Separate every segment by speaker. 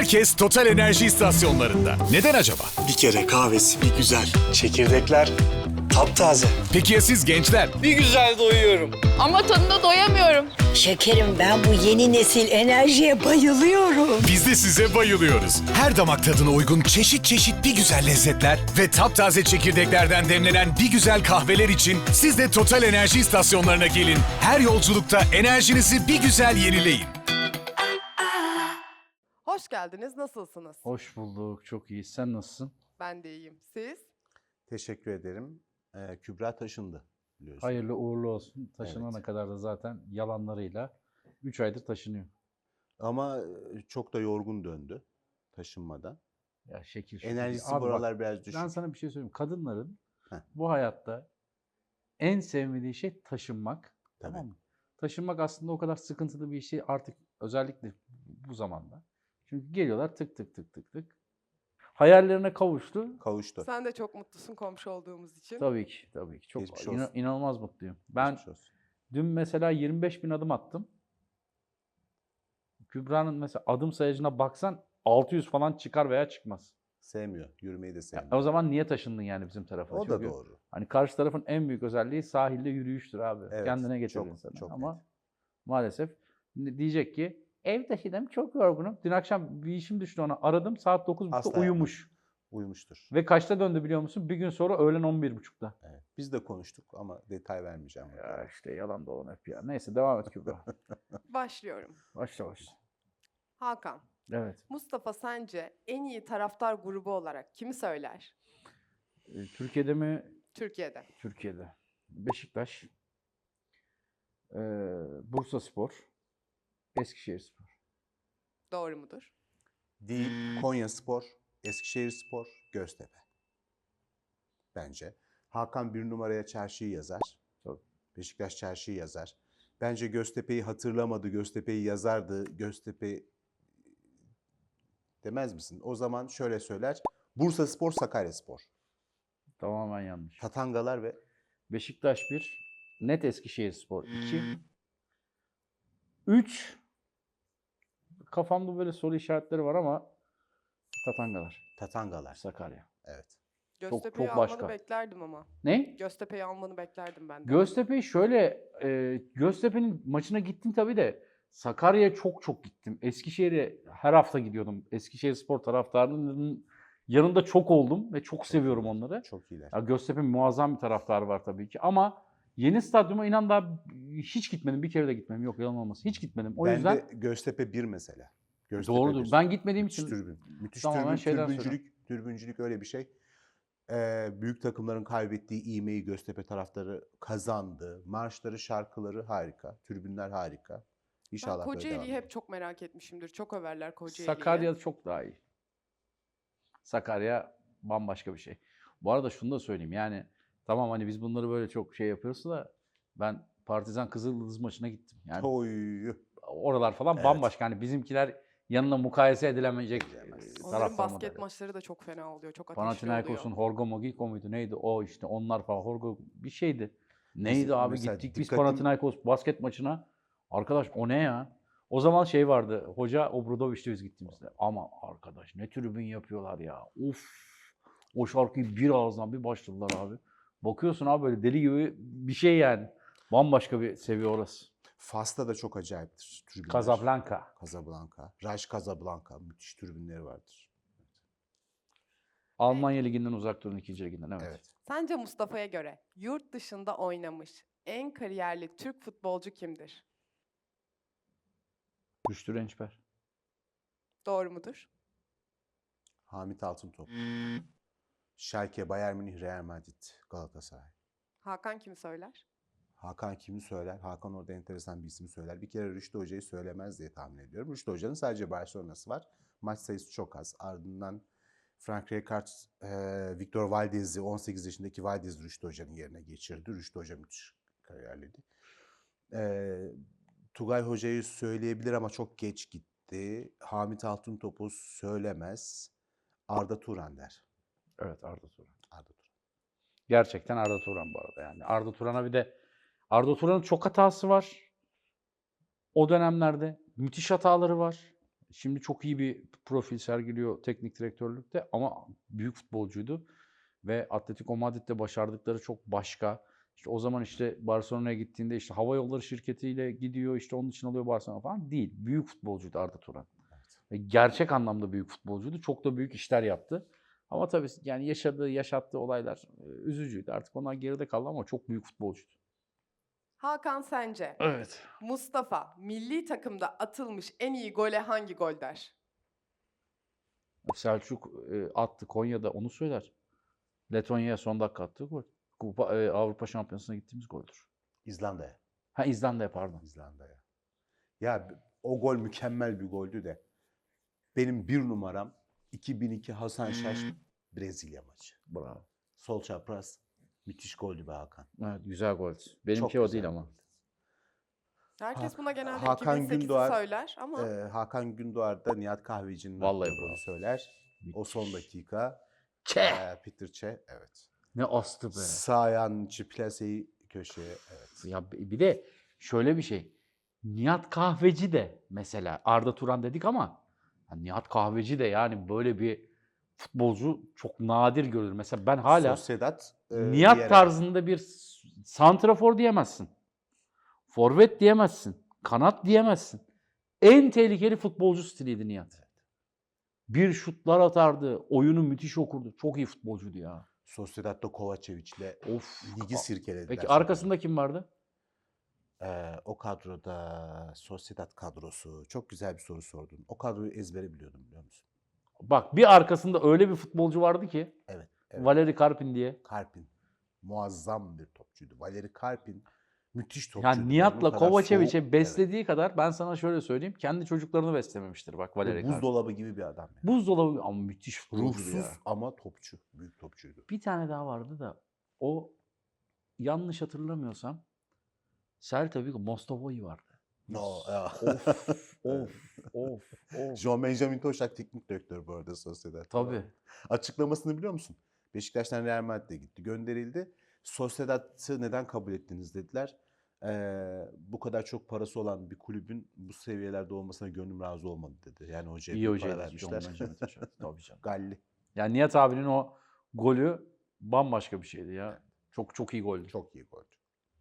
Speaker 1: Herkes Total Enerji istasyonlarında. Neden acaba?
Speaker 2: Bir kere kahvesi bir güzel. Çekirdekler taptaze.
Speaker 1: Peki ya siz gençler?
Speaker 3: Bir güzel doyuyorum.
Speaker 4: Ama tadına doyamıyorum.
Speaker 5: Şekerim, ben bu yeni nesil enerjiye bayılıyorum.
Speaker 1: Biz de size bayılıyoruz. Her damak tadına uygun çeşit çeşit bir güzel lezzetler ve taptaze çekirdeklerden demlenen bir güzel kahveler için siz de Total Enerji istasyonlarına gelin. Her yolculukta enerjinizi bir güzel yenileyin.
Speaker 6: Hoş geldiniz. Nasılsınız?
Speaker 7: Hoş bulduk. Çok iyi. Sen nasılsın?
Speaker 6: Ben de iyiyim. Siz?
Speaker 8: Teşekkür ederim. Kübra taşındı biliyorsun.
Speaker 7: Hayırlı uğurlu olsun. Taşınana
Speaker 8: Evet.
Speaker 7: kadar da zaten yalanlarıyla 3 aydır taşınıyor.
Speaker 8: Ama çok da yorgun döndü taşınmadan.
Speaker 7: Ya şekil şükür.
Speaker 8: Enerjisi
Speaker 7: Abi
Speaker 8: bu
Speaker 7: bak,
Speaker 8: aralar biraz düşük.
Speaker 7: ben sana bir şey söyleyeyim. Kadınların
Speaker 8: Heh.
Speaker 7: bu hayatta en sevmediği şey taşınmak.
Speaker 8: Tabii.
Speaker 7: Tamam mı? Taşınmak aslında o kadar sıkıntılı bir şey artık, özellikle bu zamanda. Çünkü geliyorlar tık tık tık tık tık. Hayallerine kavuştu.
Speaker 8: Kavuştu.
Speaker 6: Sen de çok mutlusun komşu olduğumuz için.
Speaker 7: Tabii ki, tabii ki. Çok
Speaker 8: Geçmiş olsun.
Speaker 7: inanılmaz mutluyum. Ben
Speaker 8: Geçmiş olsun.
Speaker 7: dün mesela 25 bin adım attım. Kübra'nın mesela adım sayacına baksan 600 falan çıkar veya çıkmaz.
Speaker 8: Sevmiyor. Yürümeyi de
Speaker 7: Ya,
Speaker 8: sevmiyor.
Speaker 7: o zaman niye taşındın yani bizim tarafa?
Speaker 8: O da
Speaker 7: Çünkü
Speaker 8: doğru.
Speaker 7: hani karşı tarafın en büyük özelliği sahilde yürüyüştür abi.
Speaker 8: Evet,
Speaker 7: Kendine getirir
Speaker 8: çok,
Speaker 7: insanı.
Speaker 8: çok
Speaker 7: Ama
Speaker 8: net.
Speaker 7: maalesef diyecek ki ev taşıdım, çok yorgunum. Dün akşam bir işim düştü, ona aradım, saat 9.30'da
Speaker 8: Asla
Speaker 7: uyumuş.
Speaker 8: Uyumuştur.
Speaker 7: Ve kaçta döndü biliyor musun? Bir gün sonra öğlen 11.30'da.
Speaker 8: Evet. Biz de konuştuk ama detay vermeyeceğim.
Speaker 7: Ya işte yalan dolan hep ya. Neyse devam et Kübra.
Speaker 6: Başlıyorum.
Speaker 7: Başla başla.
Speaker 6: Hakan,
Speaker 7: Evet.
Speaker 6: Mustafa sence en iyi taraftar grubu olarak kimi söyler?
Speaker 7: Türkiye'de mi?
Speaker 6: Türkiye'de.
Speaker 7: Türkiye'de. Beşiktaş, Bursaspor, Eskişehirspor.
Speaker 6: Doğru mudur?
Speaker 8: Değil. Konyaspor, Eskişehirspor, Göztepe. Bence. Hakan bir numaraya çarşıyı yazar.
Speaker 7: Tabii.
Speaker 8: Beşiktaş çarşıyı yazar. Bence Göztepe'yi hatırlamadı. Göztepe'yi yazardı. Göztepe demez misin? O zaman şöyle söyler. Bursaspor, Sakaryaspor.
Speaker 7: Tamamen yanlış.
Speaker 8: Tatangalar ve
Speaker 7: Beşiktaş 1, net Eskişehirspor 2. 3, kafamda böyle soru işaretleri var ama Tatangalar,
Speaker 8: Tatangalar.
Speaker 7: Sakarya.
Speaker 8: Evet.
Speaker 6: Göztepe'yi
Speaker 7: çok
Speaker 6: almanı
Speaker 7: başka.
Speaker 6: beklerdim ama.
Speaker 7: Ne?
Speaker 6: Göztepe'yi almanı beklerdim ben de.
Speaker 7: Göztepe'yi şöyle, Göztepe'nin maçına gittim tabii de Sakarya'ya çok gittim. Eskişehir'e her hafta gidiyordum. Eskişehirspor taraftarının yanında çok oldum ve çok seviyorum
Speaker 8: iyiler.
Speaker 7: onları.
Speaker 8: Çok iyiler.
Speaker 7: Ya Göztepe'nin muazzam bir taraftarı var tabii ki ama yeni stadyuma inan daha hiç gitmedim. Bir kere de gitmedim. Yok, yalan olmasın. Hiç gitmedim. O
Speaker 8: Ben
Speaker 7: yüzden
Speaker 8: de Göztepe 1 mesela. Göztepe
Speaker 7: doğrudur.
Speaker 8: 1.
Speaker 7: Ben gitmediğim
Speaker 8: Müthiş
Speaker 7: için
Speaker 8: tribün. Müthiş
Speaker 7: tamamen şeyden
Speaker 8: türbüncülük öyle bir şey. Büyük takımların kaybettiği ivmeyi Göztepe taraftarı kazandı. Marşları, şarkıları harika. Tribünler harika.
Speaker 6: Ben
Speaker 8: İnşallah böyle devam
Speaker 6: Kocaeli'yi
Speaker 8: eder.
Speaker 6: hep çok merak etmişimdir. Çok överler Kocaeli'yi.
Speaker 7: Sakarya çok daha iyi. Sakarya bambaşka bir şey. Bu arada şunu da söyleyeyim, yani tamam hani biz bunları böyle çok şey yapıyoruz da ben Partizan Kızıldız maçına gittim. Yani
Speaker 8: Oy.
Speaker 7: oralar falan
Speaker 8: Evet.
Speaker 7: bambaşka. Hani bizimkiler yanına mukayese edilemeyecek
Speaker 8: Edilemez.
Speaker 6: Onların
Speaker 7: taraftar
Speaker 6: basket
Speaker 7: modeli.
Speaker 6: maçları da çok fena oluyor. Çok ateşli
Speaker 7: Panathinaikos'un
Speaker 6: oluyor.
Speaker 7: Horgo Mogiko muydu neydi o, işte onlar falan, Horgo bir şeydi. Neydi
Speaker 8: Mesela-
Speaker 7: abi,
Speaker 8: mesela
Speaker 7: gittik biz
Speaker 8: dikkatim-
Speaker 7: Panathinaikos basket maçına. Arkadaş o ne ya? O zaman şey vardı, hoca Obradoviç'te biz gittiğimizde. Ama arkadaş ne tribün yapıyorlar ya. Uf. O şarkıyı bir ağızdan bir başladılar abi. Bakıyorsun abi böyle deli gibi bir şey yani. Bambaşka bir seviye orası.
Speaker 8: Fas'ta da çok acayiptir tribünler.
Speaker 7: Casablanca.
Speaker 8: Casablanca. Raj Casablanca. Müthiş tribünleri vardır.
Speaker 7: Almanya Ligi'nden uzak durun, 2. Liginden. Evet.
Speaker 8: Evet.
Speaker 6: Sence Mustafa'ya göre yurt dışında oynamış en kariyerli Türk futbolcu kimdir?
Speaker 7: Rüştü Rençper.
Speaker 6: Doğru mudur?
Speaker 8: Hamit Altıntop. Schalke, Bayern Münih, Real Madrid, Galatasaray.
Speaker 6: Hakan kimi söyler?
Speaker 8: Hakan kimi söyler? Hakan orada enteresan bir isim söyler. Bir kere Rüştü Hoca'yı söylemez diye tahmin ediyorum. Rüştü Hoca'nın sadece Barcelona'sı var. Maç sayısı çok az. Ardından Frank Rijkaard, Victor Valdez'i, 18 yaşındaki Valdez Rüştü Hoca'nın yerine geçirdi. Rüştü Hoca müthiş kariyerliydi. Tugay Hoca'yı söyleyebilir ama çok geç gitti. Hamit Altıntop'u söylemez. Arda Turan der.
Speaker 7: Evet, Arda Turan.
Speaker 8: Arda Turan.
Speaker 7: Gerçekten Arda Turan bu arada yani. Arda Turan'a bir de Arda Turan'ın çok hatası var. O dönemlerde müthiş hataları var. Şimdi çok iyi bir profil sergiliyor teknik direktörlükte ama büyük futbolcuydu. Ve Atletico Madrid'de başardıkları çok başka. İşte o zaman işte Barcelona'ya gittiğinde işte hava yolları şirketiyle gidiyor, işte onun için alıyor Barcelona falan. Değil. Büyük futbolcuydu Arda Turan. Ve gerçek anlamda büyük futbolcuydu. Çok da büyük işler yaptı. Ama tabii yani yaşattığı olaylar üzücüydü. Artık onlar geride kaldı ama çok büyük futbolcuydu.
Speaker 6: Hakan sence
Speaker 7: Evet.
Speaker 6: Mustafa milli takımda atılmış en iyi gole hangi gol der?
Speaker 7: Selçuk attı Konya'da, onu söyler. Letonya'ya son dakika attığı gol. Avrupa Şampiyonası'na gittiğimiz goldür.
Speaker 8: İzlanda'ya.
Speaker 7: Ha, İzlanda'ya pardon.
Speaker 8: İzlanda'ya. Ya o gol mükemmel bir goldü de. Benim bir numaram 2002 Hasan Şaş Brezilya maçı.
Speaker 7: Bravo.
Speaker 8: Sol çapraz. Müthiş goldü be Hakan.
Speaker 7: Evet, güzel gol. Benimki
Speaker 8: Çok
Speaker 7: o
Speaker 8: güzel
Speaker 7: değil ama.
Speaker 8: goldü.
Speaker 6: Herkes buna genelde
Speaker 8: Hakan
Speaker 6: 2008'i
Speaker 8: Gündoğar,
Speaker 6: söyler ama
Speaker 8: Hakan Gündoğar da Nihat Kahveci'nin
Speaker 7: Vallahi
Speaker 8: attığı golü
Speaker 7: bravo.
Speaker 8: söyler. O son dakika. Peter Çe, evet.
Speaker 7: Ne astı be.
Speaker 8: Sağ ayağının içi plaseyi köşeye, evet.
Speaker 7: Ya bir de şöyle bir şey. Nihat Kahveci de mesela Arda Turan dedik ama Nihat Kahveci de yani böyle bir futbolcu çok nadir görülür. Mesela ben hala
Speaker 8: Sociedad,
Speaker 7: Nihat
Speaker 8: Vieira.
Speaker 7: tarzında bir santrafor diyemezsin. Forvet diyemezsin. Kanat diyemezsin. En tehlikeli futbolcu stiliydi Nihat. Bir şutlar atardı. Oyunu müthiş okurdu. Çok iyi futbolcuydu ya.
Speaker 8: Sociedad'da Kovacevic'le
Speaker 7: Of.
Speaker 8: ligi sirkelediler.
Speaker 7: Peki
Speaker 8: sonra.
Speaker 7: arkasında kim vardı?
Speaker 8: O kadroda Sociedad kadrosu. Çok güzel bir soru sordun. O kadroyu ezbere biliyordum, biliyor musun?
Speaker 7: Bak, bir arkasında öyle bir futbolcu vardı ki
Speaker 8: Evet.
Speaker 7: Valeri Karpin diye.
Speaker 8: Karpin. Muazzam bir topçuydu. Valeri Karpin müthiş topçuydu.
Speaker 7: Yani Nihat'la
Speaker 8: Onun kadar
Speaker 7: Kovacevic'e
Speaker 8: soğuk,
Speaker 7: beslediği kadar ben sana şöyle söyleyeyim. Kendi çocuklarını beslememiştir bak
Speaker 8: evet.
Speaker 7: Valeri Karpin.
Speaker 8: Buzdolabı gibi bir adam. Yani.
Speaker 7: Buzdolabı ama müthiş futbolcuydu
Speaker 8: Ruhsuz
Speaker 7: ya.
Speaker 8: ama topçu. Büyük topçuydu.
Speaker 7: Bir tane daha vardı da o, yanlış hatırlamıyorsam, Celta Vigo Mostovoi vardı.
Speaker 8: No.
Speaker 7: Of.
Speaker 8: Jean Benjamin Toşak teknik direktör bu arada Sociedad.
Speaker 7: Tabii.
Speaker 8: Açıklamasını biliyor musun? Beşiktaş'tan Real Madrid'e gitti. Gönderildi. Sociedad'ı neden kabul ettiniz dediler. Bu kadar çok parası olan bir kulübün bu seviyelerde olmasına gönlüm razı olmadı dedi. Yani hocaya
Speaker 7: İyi
Speaker 8: büyük para
Speaker 7: hocaydı.
Speaker 8: vermişler.
Speaker 7: John Benjamin Toşak. Tabii canım.
Speaker 8: Galli.
Speaker 7: Yani Nihat abinin o golü bambaşka bir şeydi ya. Çok iyi goldü.
Speaker 8: Çok iyi gol.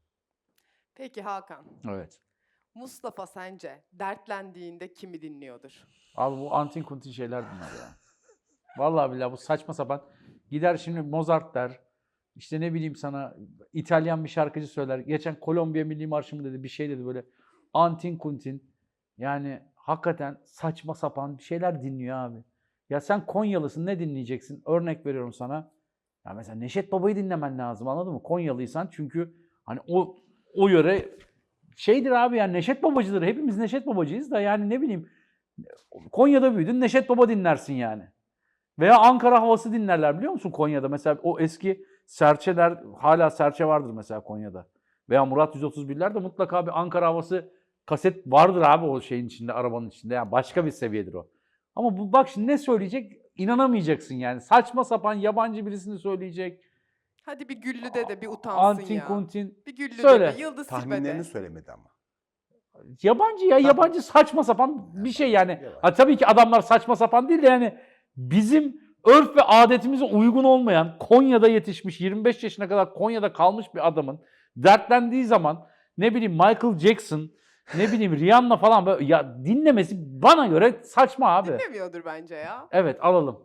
Speaker 6: peki Hakan,
Speaker 7: Evet.
Speaker 6: Mustafa sence dertlendiğinde kimi dinliyordur?
Speaker 7: Abi bu antin kuntin şeyler bunlar ya. Vallahi billahi bu saçma sapan. Gider şimdi Mozart der. İşte ne bileyim sana İtalyan bir şarkıcı söyler. Geçen Kolombiya Milli Marşı mı dedi, bir şey dedi böyle. Antin kuntin. Yani hakikaten saçma sapan bir şeyler dinliyor abi. Ya sen Konyalısın, ne dinleyeceksin? Örnek veriyorum sana. Ya mesela Neşet Baba'yı dinlemen lazım, anladın mı? Konyalıysan çünkü hani o yöre şeydir abi, yani Neşet Babacıdır. Hepimiz Neşet Babacıyız da yani ne bileyim, Konya'da büyüdün, Neşet Baba dinlersin yani. Veya Ankara havası dinlerler, biliyor musun Konya'da? Mesela o eski serçeler, hala serçe vardır mesela Konya'da. Veya Murat 131'lerde mutlaka bir Ankara havası kaset vardır abi o şeyin içinde, arabanın içinde. Yani başka bir seviyedir o. Ama bu bak şimdi ne söyleyecek inanamayacaksın yani. Saçma sapan yabancı birisini söyleyecek.
Speaker 6: Hadi bir Güllü'de de bir utansın
Speaker 7: Antin
Speaker 6: ya.
Speaker 7: kuntin.
Speaker 6: Bir Güllü'de
Speaker 7: Söyle.
Speaker 6: de, Yıldız
Speaker 8: Tahminlerini
Speaker 6: Tilbe'de.
Speaker 8: söylemedi ama.
Speaker 7: Yabancı ya, yabancı saçma sapan bir şey yani.
Speaker 8: Yabancı.
Speaker 7: Ha, tabii ki adamlar saçma sapan değil de yani bizim örf ve adetimize uygun olmayan, Konya'da yetişmiş, 25 yaşına kadar Konya'da kalmış bir adamın dertlendiği zaman ne bileyim Michael Jackson, ne bileyim Rihanna falan böyle ya dinlemesi bana göre saçma abi.
Speaker 6: Dinlemiyordur bence ya.
Speaker 7: Evet, alalım.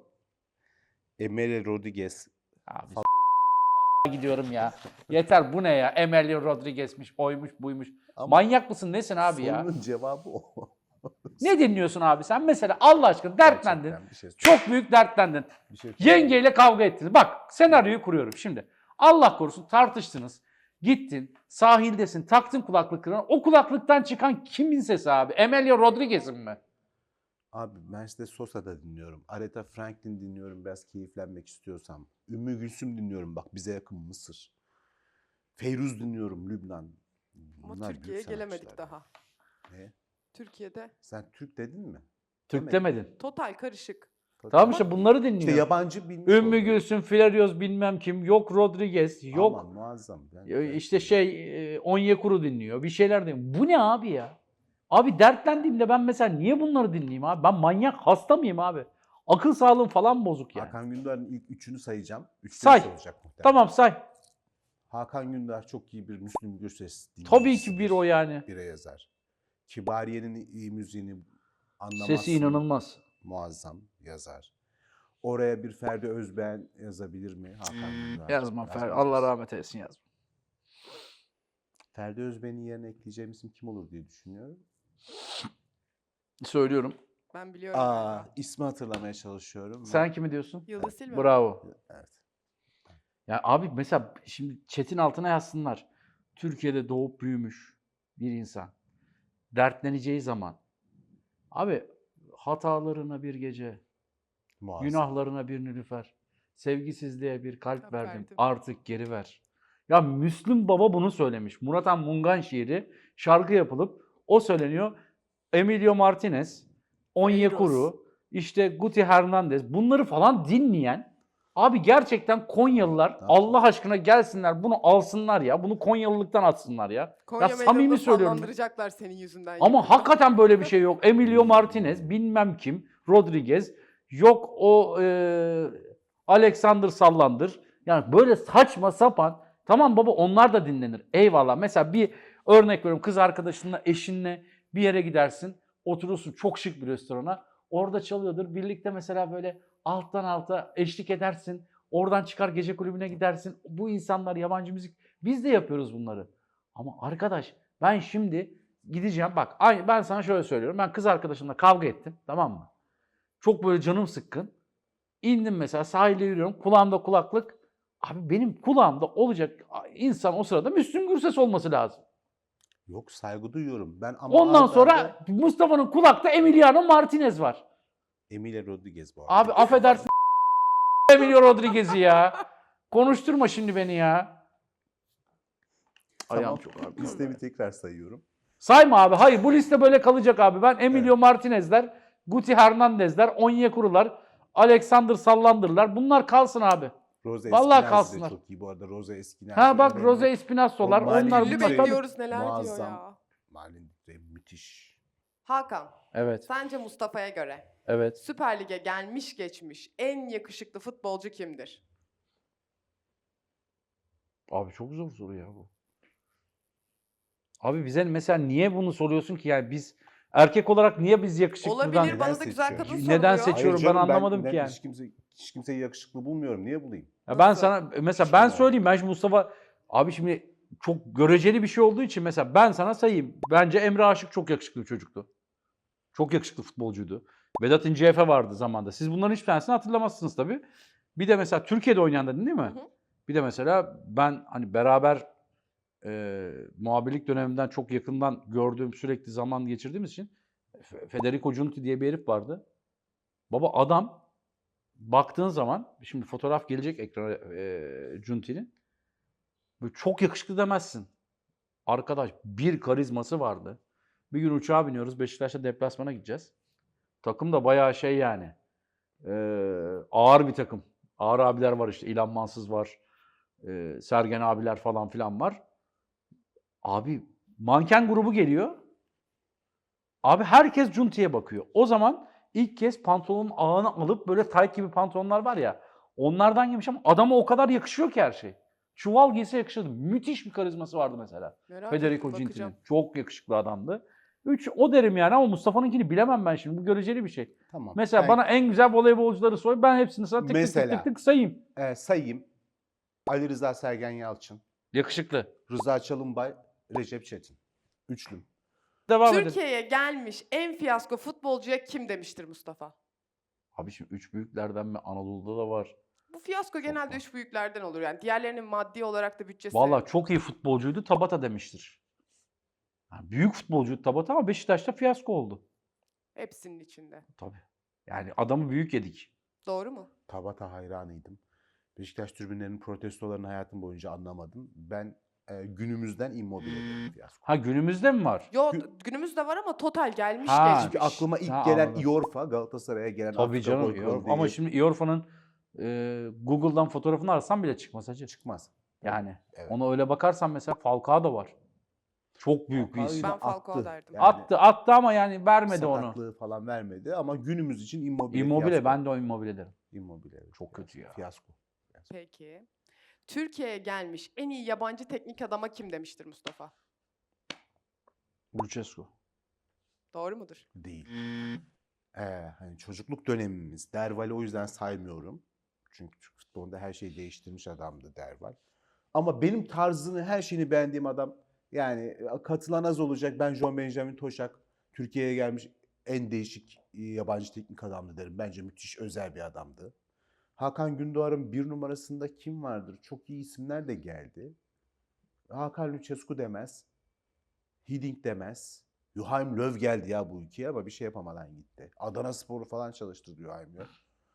Speaker 8: Emre Rodriguez.
Speaker 7: Abi gidiyorum ya. Yeter, bu ne ya? Emilio Rodriguez'miş, oymuş, buymuş.
Speaker 8: Ama
Speaker 7: Manyak mısın, nesin abi ya?
Speaker 8: sorunun cevabı o.
Speaker 7: Ne dinliyorsun abi sen? Mesela Allah aşkına dertlendin.
Speaker 8: Gerçekten bir şey
Speaker 7: Çok büyük dertlendin.
Speaker 8: bir şey
Speaker 7: Yengeyle kavga ettiniz. Bak, senaryoyu kuruyorum şimdi. Allah korusun tartıştınız. Gittin, sahildesin, taktın kulaklıklarını. O kulaklıktan çıkan kimin sesi abi? Emilio Rodriguez'in mi?
Speaker 8: Abi Mercedes Sosa'da dinliyorum. Aretha Franklin dinliyorum biraz keyiflenmek istiyorsam. Ümmü Gülsüm dinliyorum bak bize yakın Mısır. Feyruz dinliyorum Lübnan.
Speaker 6: Ama
Speaker 8: Bunlar
Speaker 6: Türkiye'ye
Speaker 8: büyük
Speaker 6: gelemedik
Speaker 8: sanatçılar
Speaker 6: daha.
Speaker 8: ya. Ne?
Speaker 6: Türkiye'de
Speaker 8: Sen Türk dedin mi?
Speaker 7: Türk
Speaker 8: Demedim.
Speaker 7: demedin.
Speaker 6: total karışık.
Speaker 7: Tamam işte bunları dinliyor.
Speaker 8: İşte yabancı bilmiş
Speaker 7: Ümmü
Speaker 8: oluyor.
Speaker 7: Gülsüm, Flerios bilmem kim, yok Rodriguez, yok
Speaker 8: Aman muazzam.
Speaker 7: işte Onyekuru dinliyor, bir şeyler dinliyor. Bu ne abi ya? Abi dertlendiğimde ben mesela niye bunları dinleyeyim abi? Ben manyak hasta mıyım abi? Akıl sağlığım falan bozuk yani.
Speaker 8: Hakan Gündoğan'ın ilk üçünü sayacağım.
Speaker 7: Say.
Speaker 8: Üçte olacak muhtemelen.
Speaker 7: Tamam say.
Speaker 8: Hakan Gündoğan çok iyi bir Müslüm Gürses
Speaker 7: Tabii
Speaker 8: dinleyicisidir.
Speaker 7: ki bir o yani.
Speaker 8: Bire yazar. Kibariye'nin iyi müziğini anlamazsın.
Speaker 7: Sesi inanılmaz.
Speaker 8: Muazzam yazar. Oraya bir Ferdi Özbeğen yazabilir mi? Hakan Gündoğan.
Speaker 7: Yazma Fer.
Speaker 8: Yazmaz.
Speaker 7: Allah rahmet eylesin yazma.
Speaker 8: Ferdi Özbeğen'in yerine ekleyeceğim isim kim olur diye düşünüyorum.
Speaker 7: Söylüyorum.
Speaker 6: Ben biliyorum.
Speaker 8: İsmi hatırlamaya çalışıyorum.
Speaker 7: Sen kimi diyorsun?
Speaker 6: Yıldız Silve.
Speaker 7: Bravo.
Speaker 8: Evet.
Speaker 7: Ya abi mesela şimdi chat'in altına yazsınlar. Türkiye'de doğup büyümüş bir insan. Dertleneceği zaman. Abi hatalarına bir gece,
Speaker 8: Muazzam.
Speaker 7: günahlarına bir nilüfer, sevgisizliğe bir kalp
Speaker 6: Kalp
Speaker 7: verdim,
Speaker 6: verdim.
Speaker 7: artık geri ver. Ya Müslüm Baba bunu söylemiş. Murat Han Mungan şiiri şarkı yapılıp o söyleniyor. Emilio Martinez, Onyekuru, işte Guti Hernandez bunları falan dinleyen abi gerçekten Konyalılar Allah aşkına gelsinler bunu alsınlar ya. Bunu Konyalılıktan atsınlar ya.
Speaker 6: Konya
Speaker 7: ya samimi
Speaker 6: meydanında
Speaker 7: söylüyorum.
Speaker 6: sallandıracaklar senin yüzünden.
Speaker 7: Ama
Speaker 6: yakında.
Speaker 7: hakikaten böyle bir şey yok. Emilio Martinez, bilmem kim, Rodriguez, yok o Alexander Sallandır. Yani böyle saçma sapan. Tamam baba onlar da dinlenir. Eyvallah. Mesela bir örnek veriyorum. Kız arkadaşınla, eşinle bir yere gidersin. Oturursun çok şık bir restorana. Orada çalıyordur. Birlikte mesela böyle alttan alta eşlik edersin. Oradan çıkar gece kulübüne gidersin. Bu insanlar yabancı müzik. Biz de yapıyoruz bunları. Ama arkadaş ben şimdi gideceğim. Bak ben sana şöyle söylüyorum. Ben kız arkadaşımla kavga ettim. Tamam mı? Çok böyle canım sıkkın. İndim mesela sahilde yürüyorum. Kulağımda kulaklık. Abi benim kulağımda olacak insan o sırada Müslüm Gürses olması lazım.
Speaker 8: Yok saygı duyuyorum. Ben ama
Speaker 7: Ondan
Speaker 8: arda
Speaker 7: sonra
Speaker 8: arda
Speaker 7: Mustafa'nın kulakta Emiliano Martinez var.
Speaker 8: Emilio Rodriguez bu arada.
Speaker 7: Abi affedersin Emilio Rodriguez'i ya. Konuşturma şimdi beni ya. Ayağım çok ağrıyor.
Speaker 8: Listemi tekrar sayıyorum.
Speaker 7: Sayma abi. Hayır bu liste böyle kalacak abi. Ben Emilio Martinez'ler, Guti Hernandez'ler, Onyekuru'lar, Alexander Sallandır'lar. Bunlar kalsın abi.
Speaker 8: Rose
Speaker 7: Vallahi
Speaker 8: Espinazzi de
Speaker 7: kalsınlar.
Speaker 8: çok iyi bu arada. Rose Espinazzi.
Speaker 7: Ha bak
Speaker 8: önemli.
Speaker 7: Rose Espinazzo'lar.
Speaker 8: O Mali
Speaker 7: Onlar
Speaker 8: Güllü
Speaker 7: bunlar.
Speaker 6: bekliyoruz neler diyor
Speaker 8: Muazzam.
Speaker 6: ya.
Speaker 8: Malin de müthiş.
Speaker 6: Hakan,
Speaker 7: Evet.
Speaker 6: sence Mustafa'ya göre
Speaker 7: Evet.
Speaker 6: Süper Lig'e gelmiş geçmiş en yakışıklı futbolcu kimdir?
Speaker 7: Abi çok zor soru ya bu. Abi bize mesela niye bunu soruyorsun ki? Yani biz erkek olarak niye biz yakışıklıdan...
Speaker 6: Olabilir bana da
Speaker 8: Neden
Speaker 6: güzel
Speaker 8: seçiyor?
Speaker 6: kadın
Speaker 7: Neden
Speaker 6: soruluyor.
Speaker 7: seçiyorum?
Speaker 8: Hayır
Speaker 7: ben
Speaker 8: canım,
Speaker 7: anlamadım ki yani.
Speaker 8: Hiç kimseyi yakışıklı bulmuyorum. Niye bulayım?
Speaker 7: Ya ben
Speaker 6: Nasıl?
Speaker 7: sana mesela ben söyleyeyim ben şimdi Mustafa abi şimdi çok göreceli bir şey olduğu için mesela ben sana sayayım. Bence Emre Aşık çok yakışıklı bir çocuktu. Çok yakışıklı futbolcuydu. Vedat İnce Efe vardı zamanda. Siz bunların hiçbir tanesini hatırlamazsınız tabii. Bir de mesela Türkiye'de oynayan dedin değil mi?
Speaker 6: Hı hı.
Speaker 7: Bir de mesela ben hani beraber muhabirlik döneminden çok yakından gördüğüm sürekli zaman geçirdiğimiz için Federico Giunti diye bir herif vardı. Baba adam baktığın zaman şimdi fotoğraf gelecek ekrana Giunti'nin. Böyle çok yakışıklı demezsin. Arkadaş bir karizması vardı. Bir gün uçağa biniyoruz. Beşiktaş'ta deplasmana gideceğiz. Takım da bayağı şey yani. Ağır bir takım. Ağır abiler var işte. İlhan Mansız var. Sergen abiler falan filan var. Abi manken grubu geliyor. Abi herkes Giunti'ye bakıyor. O zaman ilk kez pantolonun ağını alıp böyle tayt gibi pantolonlar var ya. Onlardan giymiş ama adama o kadar yakışıyor ki her şey. Çuval giyse yakışırdı. Müthiş bir karizması vardı mesela.
Speaker 6: Merak
Speaker 7: Federico
Speaker 6: ettim,
Speaker 7: Giunti'nin.
Speaker 6: bakacağım.
Speaker 7: Çok yakışıklı adamdı. 3 o derim yani ama Mustafa'nınkini bilemem ben şimdi. Bu göreceli bir şey.
Speaker 8: Tamam.
Speaker 7: Mesela
Speaker 8: Ben,
Speaker 7: bana en güzel voleybolcuları soy. Ben hepsini sana tık tık tık
Speaker 8: Mesela.
Speaker 7: tık tık sayayım.
Speaker 8: sayayım. Ali Rıza Sergen Yalçın,
Speaker 7: Yakışıklı.
Speaker 8: Rıza Çalınbay, Recep Çetin. Üçlüm.
Speaker 7: Devam edelim.
Speaker 6: Türkiye'ye gelmiş en fiyasko futbolcuya kim demiştir Mustafa?
Speaker 7: Abi şimdi 3 büyüklerden mi Anadolu'da da var.
Speaker 6: Bu fiyasko genelde
Speaker 7: var.
Speaker 6: üç büyüklerden olur yani. Diğerlerinin maddi olarak da bütçesi...
Speaker 7: Vallahi çok iyi futbolcuydu Tabata demiştir. Yani büyük futbolcuydu Tabata ama Beşiktaş'ta fiyasko oldu.
Speaker 6: Hepsinin içinde.
Speaker 7: Tabii. Yani adamı büyük yedik.
Speaker 6: Doğru mu?
Speaker 8: Tabata hayranıydım. Beşiktaş tribünlerinin protestolarını hayatım boyunca anlamadım. Ben günümüzden Immobile'de fiyasko.
Speaker 7: Ha günümüzde mi var?
Speaker 6: Yo günümüzde var ama total gelmiş
Speaker 7: Ha.
Speaker 6: geçmiş.
Speaker 8: Çünkü aklıma ilk
Speaker 7: Ha,
Speaker 8: gelen
Speaker 7: anladım.
Speaker 8: Iorfa, Galatasaray'a gelen
Speaker 7: Tabii
Speaker 8: Afrika
Speaker 7: canım.
Speaker 8: boykolu
Speaker 7: Ama
Speaker 8: değil.
Speaker 7: şimdi Iorfa'nın Google'dan fotoğrafını arasam bile çıkmaz hacı.
Speaker 8: Çıkmaz.
Speaker 7: Yani
Speaker 8: Evet.
Speaker 7: ona öyle bakarsan mesela Falcao da var. Çok büyük bir
Speaker 8: Falcao
Speaker 7: isim.
Speaker 8: yine
Speaker 6: Ben Falcao
Speaker 8: attı.
Speaker 6: derdim.
Speaker 8: Yani
Speaker 7: Attı ama yani vermedi onu.
Speaker 8: sakatlığı falan vermedi ama günümüz için Immobile.
Speaker 7: Immobile,
Speaker 8: fiyasko.
Speaker 7: ben de o Immobile derim.
Speaker 8: Immobile. evet,
Speaker 7: Çok kötü ya.
Speaker 8: Fiyasko.
Speaker 6: Peki. Türkiye'ye gelmiş en iyi yabancı teknik adama kim demiştir Mustafa?
Speaker 7: Lucescu.
Speaker 6: Doğru mudur?
Speaker 8: Değil. Hani çocukluk dönemimiz. Derval'i o yüzden saymıyorum. Çünkü Türk futbolunda her şeyi değiştirmiş adamdı Derval. Ama benim tarzını, her şeyini beğendiğim adam, yani katılan az olacak. Ben John Benjamin Toşak, Türkiye'ye gelmiş en değişik yabancı teknik adamdı derim. Bence müthiş özel bir adamdı. Hakan Gündoğar'ın bir numarasında kim vardır? Çok iyi isimler de geldi. Hakan Lucescu demez. Hiddink demez. Joachim Löw geldi ya bu ülkeye ama bir şey yapamadan gitti. Adanaspor'u falan çalıştırdı Joachim Löw.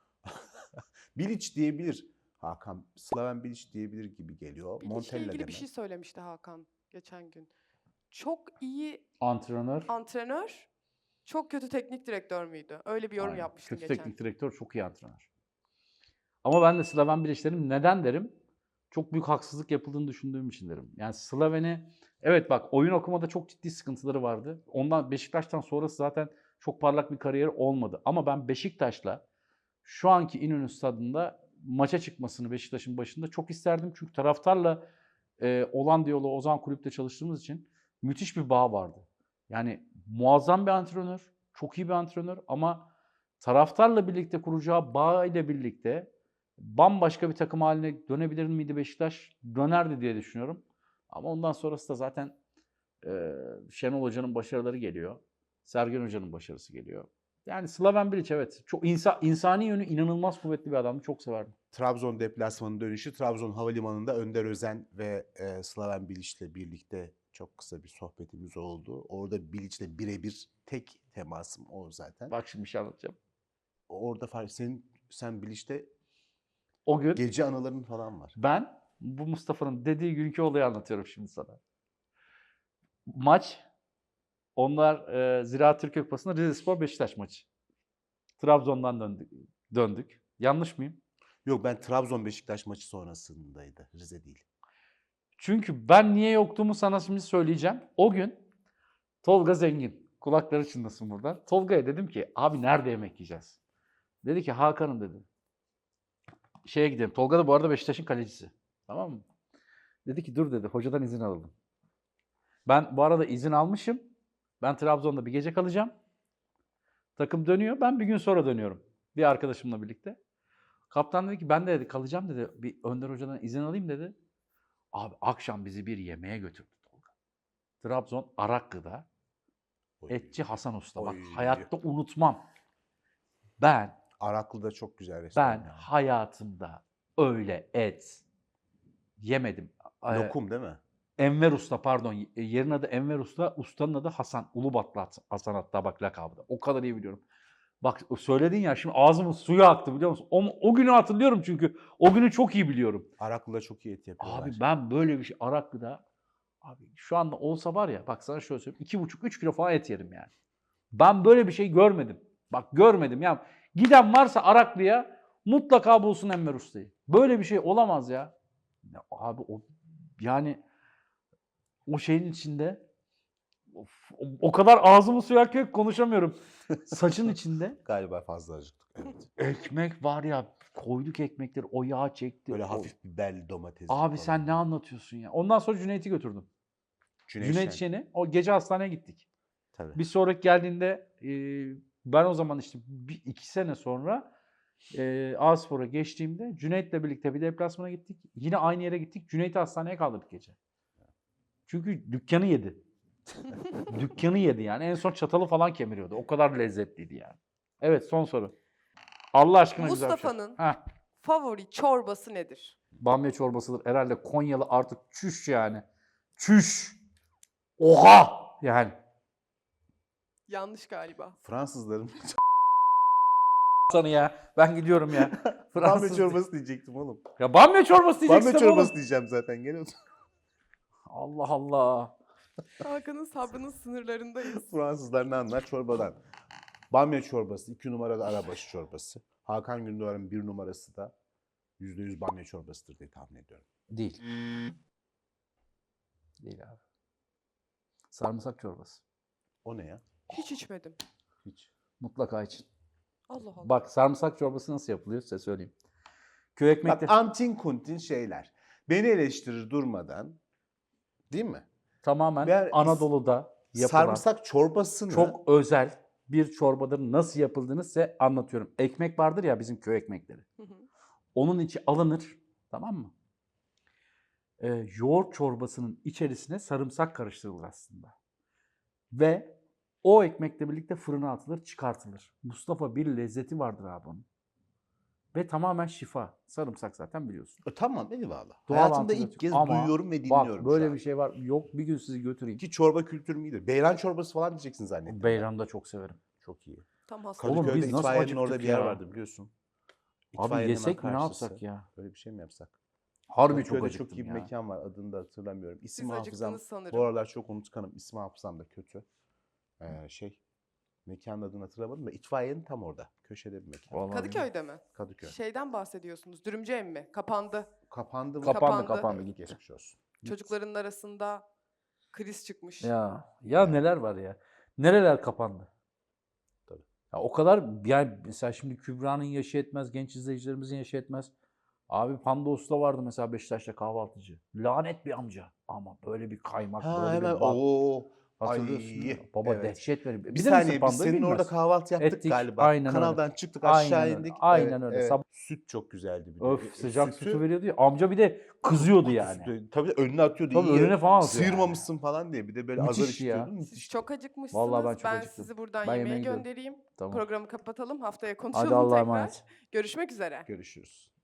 Speaker 8: Bilic diyebilir. Slaven Bilic diyebilir gibi geliyor.
Speaker 6: Bilic'le
Speaker 8: Montella
Speaker 6: ilgili bir
Speaker 8: demez.
Speaker 6: şey söylemişti Hakan geçen gün. Çok iyi
Speaker 7: Antrenör.
Speaker 6: antrenör, çok kötü teknik direktör müydü? Öyle bir yorum
Speaker 7: Aynen.
Speaker 6: yapmıştın
Speaker 7: Kötü
Speaker 6: geçen.
Speaker 7: teknik direktör, çok iyi antrenör. Ama ben de Slaven Bilic derim. Neden derim? Çok büyük haksızlık yapıldığını düşündüğüm için derim. Yani Slaven'i, evet bak, oyun okumada çok ciddi sıkıntıları vardı. Ondan Beşiktaş'tan sonrası zaten çok parlak bir kariyeri olmadı. Ama ben Beşiktaş'la şu anki İnönü Stadı'nda maça çıkmasını Beşiktaş'ın başında çok isterdim. Çünkü taraftarla olan diyaloğu o zaman kulüpte çalıştığımız için müthiş bir bağ vardı. Yani muazzam bir antrenör, çok iyi bir antrenör ama taraftarla birlikte kuracağı bağ ile birlikte bambaşka bir takım haline dönebilir miydi Beşiktaş? Dönerdi diye düşünüyorum. Ama ondan sonrası da zaten Şenol Hoca'nın başarıları geliyor. Sergen Hoca'nın başarısı geliyor. Yani Slaven Bilic, evet. Çok insani yönü inanılmaz kuvvetli bir adamdı. Çok severdim.
Speaker 8: Trabzon deplasmanı dönüşü Trabzon Havalimanı'nda Önder Özen ve Slaven Bilic'le birlikte çok kısa bir sohbetimiz oldu. Orada Bilic'le birebir tek temasım o zaten.
Speaker 7: Bak şimdi bir şey anlatacağım.
Speaker 8: Orada sen Bilic'te
Speaker 7: O gün
Speaker 8: gece anıların falan var.
Speaker 7: ben bu Mustafa'nın dediği günkü olayı anlatıyorum şimdi sana. Maç, onlar Ziraat Türkiye Kupası'nda Rizespor Beşiktaş maçı. Trabzon'dan döndük. Yanlış mıyım?
Speaker 8: Yok, ben Trabzon Beşiktaş maçı sonrasındaydı. Rize değil.
Speaker 7: Çünkü ben niye yoktuğumu sana şimdi söyleyeceğim. O gün Tolga Zengin, kulakları çınlasın buradan. Tolga'ya dedim ki, abi nerede yemek yiyeceğiz? Dedi ki, Hakan'ım dedi. Şeye gidelim. Tolga da bu arada Beşiktaş'ın kalecisi. Tamam mı? Dedi ki dur dedi, hocadan izin alalım. Ben bu arada izin almışım. Ben Trabzon'da bir gece kalacağım. Takım dönüyor. Ben bir gün sonra dönüyorum. Bir arkadaşımla birlikte. Kaptan dedi ki ben de dedi, kalacağım dedi. Bir Önder Hoca'dan izin alayım dedi. Abi akşam bizi bir yemeğe götürdü Tolga. Trabzon Araklı'da.
Speaker 8: Oy.
Speaker 7: Etçi Hasan Usta. Bak
Speaker 8: Oy.
Speaker 7: hayatta unutmam. Ben
Speaker 8: Araklı'da çok güzel restoran.
Speaker 7: ben
Speaker 8: yani.
Speaker 7: hayatımda öyle et yemedim.
Speaker 8: Lokum değil mi?
Speaker 7: Enver Usta, pardon. Yerin adı Enver Usta. Ustanın adı Hasan. Ulubatlı Hasan, hatta bak lakabı da. O kadar iyi biliyorum. Bak söyledin ya, şimdi ağzımın suyu aktı biliyor musun? O günü hatırlıyorum çünkü. O günü çok iyi biliyorum.
Speaker 8: Araklı'da çok iyi et yapıyorlar.
Speaker 7: Abi ben böyle bir şey Araklı'da, abi şu anda olsa var ya, bak sana şöyle söyleyeyim. 2,5-3 kilo falan et yerim yani. Ben böyle bir şey görmedim. Bak görmedim ya. Giden varsa Araklı'ya mutlaka bulsun Enver Usta'yı. Böyle bir şey olamaz ya. Ya abi yani o şeyin içinde o kadar ağzımı suyu akıyor ki konuşamıyorum. Saçın içinde
Speaker 8: Galiba fazla acıktık. Evet.
Speaker 7: ekmek var ya, koyduk ekmekleri, o yağ çekti.
Speaker 8: Böyle
Speaker 7: o-
Speaker 8: hafif biberli domates.
Speaker 7: Abi sen ne anlatıyorsun ya? Ondan sonra Cüneyt'i götürdüm. Cüneyt Şen'i. O gece hastaneye gittik.
Speaker 8: Tabii.
Speaker 7: Bir sonraki geldiğinde ben o zaman işte 2 sene sonra A-Spor'a geçtiğimde Cüneyt'le birlikte bir deplasmana gittik. Yine aynı yere gittik. Cüneyt'i hastaneye kaldırdık gece. Çünkü dükkanı yedi. Dükkanı yedi yani. En son çatalı falan kemiriyordu. O kadar lezzetliydi yani. Evet, son soru. Allah aşkına güzel bir şey.
Speaker 6: Mustafa'nın
Speaker 7: Heh,
Speaker 6: favori çorbası nedir?
Speaker 7: bamya çorbasıdır. Herhalde Konyalı artık çüş yani. Çüş. Oha! Yani.
Speaker 6: Yanlış galiba.
Speaker 8: Fransızların
Speaker 7: Sana ya. Ben gidiyorum ya.
Speaker 8: bamya
Speaker 7: Fransız.
Speaker 8: çorbası diyecektim oğlum.
Speaker 7: Ya bamya çorbası diyeceksin
Speaker 8: Bamya
Speaker 7: oğlum.
Speaker 8: çorbası diyeceğim zaten. Gene
Speaker 7: Allah Allah.
Speaker 6: Hakan'ın sabrının sınırlarındayız.
Speaker 8: Fransızlar ne anlar çorbadan? Bamya çorbası, 2 numarada arabaşı çorbası. Hakan Gündoğar'ın 1 numarası da %100 bamya çorbasıdır diye tahmin ediyorum.
Speaker 7: Değil. Değil abi. Sarımsak çorbası.
Speaker 8: O ne ya?
Speaker 6: Hiç içmedim.
Speaker 8: Hiç.
Speaker 7: Mutlaka için.
Speaker 6: Allah Allah.
Speaker 7: Bak sarımsak çorbası nasıl yapılıyor size söyleyeyim. Köy ekmekte
Speaker 8: Bak antin kuntin şeyler. Beni eleştirir durmadan. Değil mi?
Speaker 7: tamamen
Speaker 8: Ben
Speaker 7: Anadolu'da yapılan
Speaker 8: Sarımsak çorbasını
Speaker 7: çok özel bir çorbadır. Nasıl yapıldığını size anlatıyorum. Ekmek vardır ya bizim köy ekmekleri.
Speaker 6: Hı hı.
Speaker 7: Onun içi alınır. Tamam mı? Yoğurt çorbasının içerisine sarımsak karıştırılır aslında. Ve o ekmekle birlikte fırına atılır, çıkartılır. Mustafa bir lezzeti vardır abi onun. Ve tamamen şifa. Sarımsak zaten biliyorsun.
Speaker 8: Tamam eyvallah.
Speaker 7: Doğal
Speaker 8: Hayatımda ilk
Speaker 7: antibiyotik.
Speaker 8: kez
Speaker 7: Ama
Speaker 8: duyuyorum ve dinliyorum
Speaker 7: Bak böyle
Speaker 8: şu an.
Speaker 7: bir şey var. Yok bir gün sizi götüreyim.
Speaker 8: Ki çorba kültürüm iyidir. Beyran çorbası falan diyeceksin zannettim.
Speaker 7: Beyran'ı da çok severim.
Speaker 8: Çok iyi.
Speaker 6: Tam hasta.
Speaker 7: Oğlum
Speaker 8: Kadıköy'de
Speaker 7: biz nasıl
Speaker 8: itfaiyenin orada
Speaker 7: acıktık
Speaker 8: bir yer
Speaker 7: ya?
Speaker 8: vardı biliyorsun.
Speaker 7: Abi
Speaker 8: İtfaiyenin hemen
Speaker 7: yesek mi ne
Speaker 8: karşısı.
Speaker 7: yapsak ya?
Speaker 8: Böyle bir şey mi yapsak?
Speaker 7: Harbi çok
Speaker 8: Kadıköy'de
Speaker 7: acıktım
Speaker 8: çok iyi bir
Speaker 7: ya.
Speaker 8: mekan var. Adını da hatırlamıyorum. İsim
Speaker 6: Siz
Speaker 8: hafızam
Speaker 6: acıktınız sanırım.
Speaker 8: bu aralar çok unutkanım. İsim hafızam da kötü. Mekanın adını hatırlamadım da itfaiyenin tam orada. Köşede bir mekan.
Speaker 7: Vallahi
Speaker 6: Kadıköy'de mi?
Speaker 8: Kadıköy.
Speaker 6: Şeyden bahsediyorsunuz. Dürümcü ev mi? Kapandı.
Speaker 8: Kapandı mı?
Speaker 7: Kapandı gitti.
Speaker 8: Geçmiş olsun.
Speaker 6: Çocukların arasında kriz çıkmış.
Speaker 7: Ya neler var ya. Nereler kapandı.
Speaker 8: Tabii.
Speaker 7: Ya o kadar yani mesela şimdi Kübra'nın yaşı etmez, genç izleyicilerimizin yaşı etmez. Abi Panda Usta vardı mesela Beşiktaş'ta kahvaltıcı. Lanet bir amca. Ama böyle bir kaymak,
Speaker 8: Ha
Speaker 7: böyle
Speaker 8: hemen
Speaker 7: bir bak.
Speaker 8: ooo.
Speaker 7: Hatırlıyorsun
Speaker 8: Ay,
Speaker 7: değil mi? Baba
Speaker 8: evet.
Speaker 7: dehşet veriyor.
Speaker 8: Bir
Speaker 7: Bilir misin
Speaker 8: saniye biz
Speaker 7: Panda'yı?
Speaker 8: senin orada
Speaker 7: Bilmez.
Speaker 8: kahvaltı yaptık
Speaker 7: Ettik,
Speaker 8: galiba.
Speaker 7: aynen öyle.
Speaker 8: Kanaldan çıktık
Speaker 7: Aynen
Speaker 8: aşağı
Speaker 7: öyle,
Speaker 8: indik.
Speaker 7: aynen öyle. Sabah-
Speaker 8: Süt çok güzeldi bir de.
Speaker 7: Öf sıcak sütü veriyordu ya. Amca bir de kızıyordu yani.
Speaker 8: Tabii önüne atıyordu.
Speaker 7: Tabii
Speaker 8: iyi
Speaker 7: önüne falan atıyor
Speaker 8: Sıyırmamışsın falan diye. Bir de böyle azar
Speaker 7: Müthiş ya.
Speaker 8: işitiyordun.
Speaker 6: Siz
Speaker 8: Müthiş.
Speaker 6: çok acıkmışsınız.
Speaker 7: Vallahi ben çok acıktım.
Speaker 6: sizi buradan
Speaker 7: Ben
Speaker 6: yemeğe
Speaker 7: yemeğe gidiyorum.
Speaker 6: göndereyim.
Speaker 7: Tamam.
Speaker 6: Programı kapatalım. Haftaya konuşalım
Speaker 7: Hadi Allah'a
Speaker 6: tekrar.
Speaker 7: emanet.
Speaker 6: Görüşmek üzere.
Speaker 8: Görüşürüz.